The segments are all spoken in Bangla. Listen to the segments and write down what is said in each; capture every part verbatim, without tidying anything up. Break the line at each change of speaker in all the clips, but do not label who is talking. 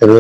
হ্যালো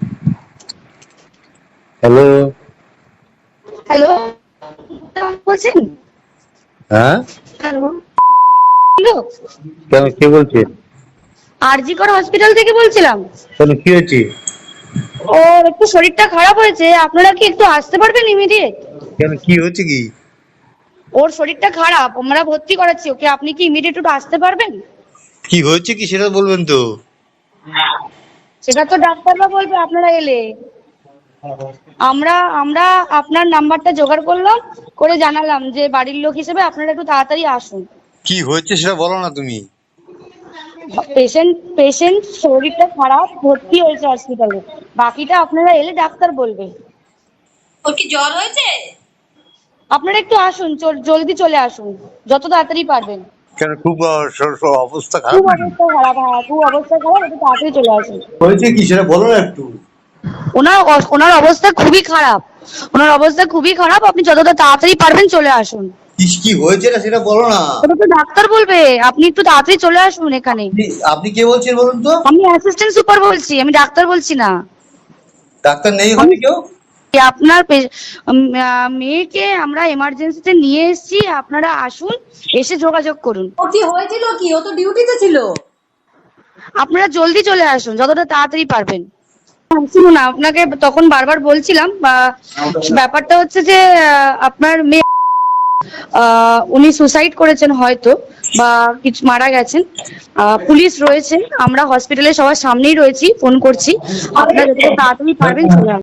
হ্যালো
হ্যালো বলছেন?
হ্যাঁ
হ্যালো হ্যালো
কেন কে বলছেন?
আরজি কর হসপিটাল থেকে বলছিলাম।
কেন কি হয়েছে?
ওর একটু শরীরটা খারাপ হয়েছে, আপনারা কি একটু আসতে পারবেন ইমিডিয়েট?
কেন কি হয়েছে কি?
ওর শরীরটা খারাপ, আমরা ভর্তি করাচ্ছি ওকে, আপনি কি ইমিডিয়েট একটু আসতে পারবেন?
কি হয়েছে কি সেটা বলবেন তো?
সেটা তো ডাক্তাররা বলবে আপনারা এলে। আমরা আমরা আপনার নাম্বারটা জোগাড় করলাম, করে জানালাম যে বাড়ির লোক হিসেবে আপনারা একটু তাড়াতাড়ি আসুন।
কি হয়েছে সেটা বলো না তুমি।
পেশেন্ট পেশেন্ট শরীরটা খারাপ, ভর্তি হয়েছে হসপিটালে, বাকিটা আপনারা এলে ডাক্তার বলবে।
ওর কি জ্বর হয়েছে?
আপনারা একটু আসুন, জলদি চলে আসুন যত তাড়াতাড়ি পারবেন।
কেন খুব আহ, স- স- অবস্থা খারাপ
খুব
নাকি?
অবস্থা খারাপ, হ্যাঁ খুব অবস্থা খারাপ, একটু তাড়াতাড়ি চলে আসুন।
হয়েছে কি সেটা বলো না একটু।
ওনার অ- ওনার অবস্থা খুবই খারাপ, ওনার অবস্থা খুবই খারাপ, আপনি যতটা তাড়াতাড়ি পারবেন চলে আসুন।
কি কি হয়েছে না সেটা বলো না।
ওটা তো ডাক্তার বলবে, আপনি একটু তাড়াতাড়ি চলে আসুন এখানে।
আপনি- আপনি কে বলছেন বলুন তো?
আমি অ্যাসিস্ট্যান্ট সুপার বলছি, আমি ডাক্তার বলছি না।
ডাক্তার নেই
আমি
ওখানে কেউ?
আপনার পে- উম, আহ, মেয়েকে আমরা এমার্জেন্সিতে নিয়ে এসেছি, আপনারা আসুন, এসে যোগাযোগ করুন।
ও কি হয়েছিল কি? ও তো ডিউটিতে ছিল।
আপনারা জলদি চলে আসুন যতটা তাড়াতাড়ি পারবেন। শুনুন, আপনাকে তখন বারবার বলছিলাম, বা ব্যাপারটা হচ্ছে যে আহ, আপনার মেয়ে আহ, উনি সুসাইড করেছেন হয়তো, বা কিছু মারা গেছেন। আহ, পুলিশ রয়েছে, আমরা হসপিটালে সবার সামনেই রয়েছি, ফোন করছি, আপনারা যতটা তাড়াতাড়ি পারবেন চলে আসুন।